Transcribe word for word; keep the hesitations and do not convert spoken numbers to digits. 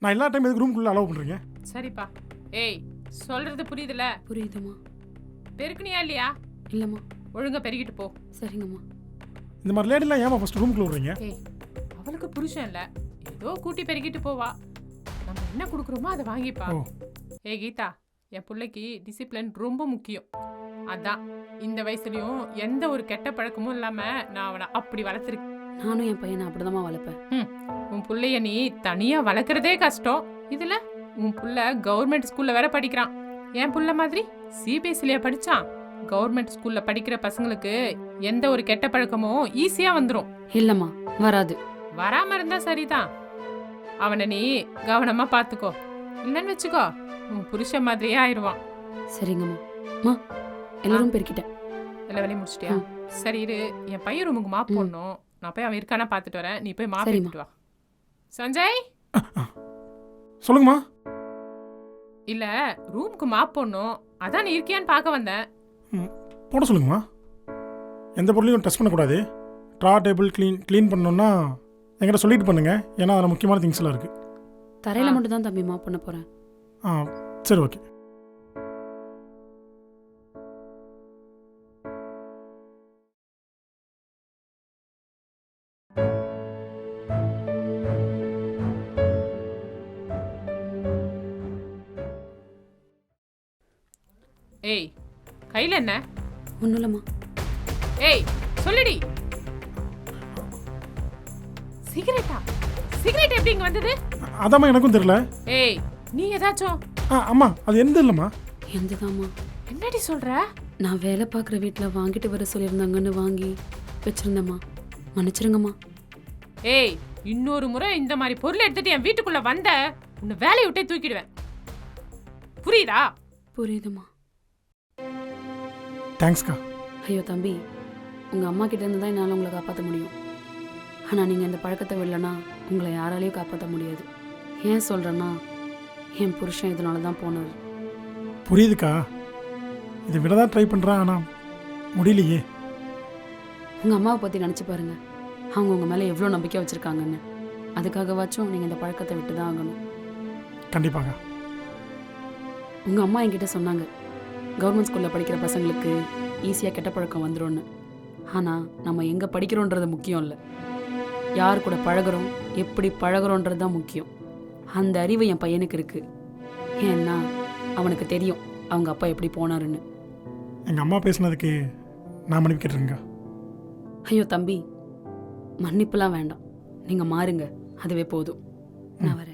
நான் எல்லா டைம் எதுக்கு ரூம்குள்ளே அலோவ் பண்ணுறீங்க? சரிப்பா. ஏய் சொல்றது புரியுதுல? புரியுதுமா. பெருக்குனியா இல்லையா? இல்லைம்மா. ஒழுங்கா பெருகிட்டு போ. சரிங்கம்மா. இந்த மாதிரி லேடிலாம் ஏமா ஃபஸ்ட் ரூம்குள்ளே விடுறீங்க? ஏய் அவளுக்கு புருஷன் இல்லை, ஏதோ கூட்டி பெருகிட்டு போவா. நம்ம என்ன கொடுக்குறோமோ அதை வாங்கிப்பா. ஓ. ஏய் கீதா, என் பிள்ளைக்கு டிசிப்ளின் ரொம்ப முக்கியம். அதான் இந்த வயசுலயும் எந்த ஒரு கெட்ட பழக்கமும் இல்லாம நான் அவனை அப்படி வளர்த்துருக்கேன். நானும் என் பையனை அப்படிதாம்மா வளர்ப்பேன். ம் உன் பிள்ளைய நீ தனியா வளர்க்குறதே கஷ்டம். இதுல உன் புள்ள கவர்மெண்ட் ஸ்கூல்ல வேற படிக்கிறான். என் புள்ள மாதிரி சிபிஎஸ்சிலேயே படிச்சான். கவர்மெண்ட் ஸ்கூல்ல படிக்கிற பசங்களுக்கு எந்த ஒரு கெட்ட பழக்கமும் ஈஸியா வந்துடும். இல்லைம்மா, வராது. வராம இருந்தா சரிதான். அவனை நீ கவனமா பாத்துக்கோ. இல்லைன்னு வச்சுக்கோ உன் புருஷன் மாதிரியே ஆயிடுவான். சரிங்கம்மா. மா எல்லாரும் பெருக்கிட்டேன். எல்லா வேலையும் முடிச்சிட்டியா? சரி இரு, என் பையன் ரூமுக்கு மாப் போடணும். நான் போய் அவன் இருக்கானா பார்த்துட்டு வரேன். நீ போய் மாப் சரிம்மா. எடுத்துட்டு வா. சஞ்சய், சொல்லுங்கம்மா. இல்ல ரூமுக்கு மாப் போடணும், அதான் நீ இருக்கியான்னு பார்க்க வந்தேன். ம், போட சொல்லுங்கம்மா. எந்த பொருளையும் டச் பண்ணக்கூடாது. ட்ரா டேபிள் க்ளீன் க்ளீன் பண்ணணுன்னா என்கிட்ட சொல்லிட்டு பண்ணுங்க. ஏன்னா அதில் முக்கியமான திங்ஸ் எல்லாம் இருக்குது. தரையில ஆ. மட்டும் தான் தம்பி மாப் பண்ண போறேன். ஆ சரி ஓகே. ஏய் கையில என்ன? ஒன்றும் இல்லைம்மா. ஏய் சொல்லுடி. சிகரெட்டா? சிகரெட் எப்படி இங்க வந்தது? அதாம்மா எனக்கும் தெரியல. ஏய் நீ ஏதாச்சும் ஆ அம்மா அது எந்த இல்லைம்மா. எந்ததாம்மா? என்னடி சொல்ற? நான் வேலை பார்க்குற வீட்டில் வாங்கிட்டு வர சொல்லியிருந்தாங்கன்னு வாங்கி வச்சிருந்தேம்மா. மன்னிச்சிருங்கம்மா. ஏய் இன்னொரு முறை இந்த மாதிரி பொருள் எடுத்துட்டு என் வீட்டுக்குள்ள வந்த உன்னை வேலையை விட்டே தூக்கிடுவேன். புரியுதா? புரியுதும்மா. தேங்க்ஸ்க்கா. ஐயோ தம்பி, உங்கள் அம்மா கிட்ட இருந்து தான் என்னால் உங்களை காப்பாற்ற முடியும். ஆனால் நீங்கள் இந்த பழக்கத்தை விடலைன்னா உங்களை யாராலையும் காப்பாற்ற முடியாது. ஏன் சொல்கிறேன்னா என் புருஷன் இதனால தான் போனார். புரியுதுக்கா. இதை விட தான் ட்ரை பண்ணுறேன், ஆனால் முடியலையே. உங்கள் அம்மாவை பற்றி நினச்சி பாருங்கள். அவங்க உங்கள் மேலே எவ்வளோ நம்பிக்கை வச்சுருக்காங்கன்னு. அதுக்காகவாச்சும் நீங்கள் இந்த பழக்கத்தை விட்டு தான் ஆகணும். கண்டிப்பாக. உங்கள் அம்மா என்கிட்ட சொன்னாங்க, கவர்மெண்ட் ஸ்கூலில் படிக்கிற பசங்களுக்கு ஈஸியாக கெட்ட பழக்கம் வந்துடும்னு. ஆனால் நம்ம எங்கே படிக்கிறோன்றது முக்கியம் இல்லை, யார் கூட பழகிறோம், எப்படி பழகிறோன்றது தான் முக்கியம். அந்த அறிவு என் பையனுக்கு இருக்குது. ஏன்னா அவனுக்கு தெரியும் அவங்க அப்பா எப்படி போனாருன்னு. எங்கள் அம்மா பேசுனதுக்கு நான் மன்னிப்பு கேட்டுருங்க. ஐயோ தம்பி, மன்னிப்புலாம் வேண்டாம். நீங்கள் மாறுங்க, அதுவே போதும். நான் வரேன்.